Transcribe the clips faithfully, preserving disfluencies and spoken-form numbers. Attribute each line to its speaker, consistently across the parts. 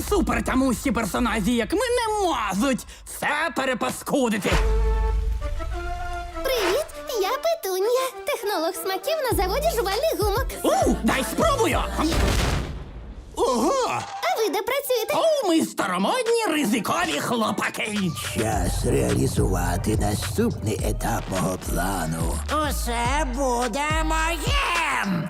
Speaker 1: супертямущі персонажі, як ми, не можуть все перепаскудити.
Speaker 2: Привіт, я Петунія, технолог смаків на заводі жувальних гумок.
Speaker 1: У, дай спробую!
Speaker 3: Ого!
Speaker 2: А ви де працюєте?
Speaker 1: О, ми старомодні ризикові хлопаки.
Speaker 4: Час реалізувати наступний етап мого плану.
Speaker 5: Усе буде моїм!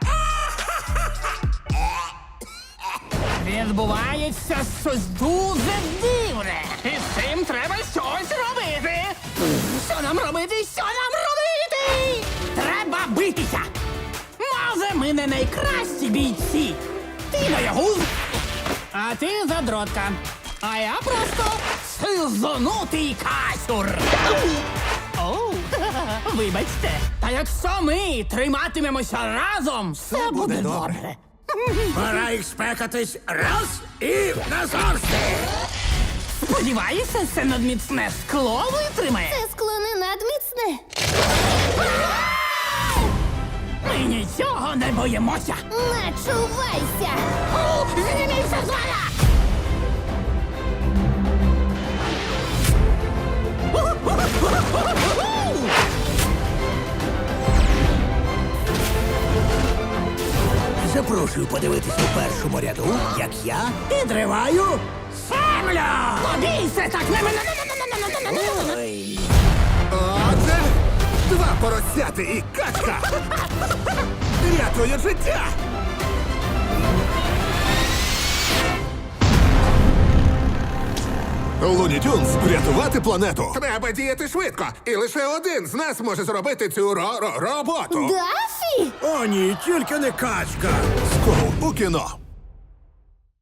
Speaker 1: Відбувається щось дуже дивне. І з цим треба щось робити. Що нам робити? Що нам робити? Треба битися. Може, ми не найкращі бійці. Ти боягуз, а ти задротка. А я просто сизонутий касюр. Оу, вибачте. Та якщо ми триматимемося разом, все буде добре.
Speaker 3: Пора їх спекатись раз і назавжди!
Speaker 1: Сподіваюся, це надміцне скло витримає.
Speaker 2: Це скло не надміцне.
Speaker 1: Ми нічого не боїмося.
Speaker 2: Начувайся!
Speaker 1: О, зніміться з мене!
Speaker 4: Запрошую подивитися у першому ряду, як я підриваю
Speaker 1: Землю! Побійся так! Не мене!
Speaker 4: Ой.
Speaker 3: Отже, два поросяти і качка! Рятує життя! Луні Тюнс, врятувати планету! Треба діяти швидко, і лише один з нас може зробити цю ро-ро- роботу.
Speaker 2: Дафі!
Speaker 4: О, ні, тільки не качка.
Speaker 3: Скоро у кіно.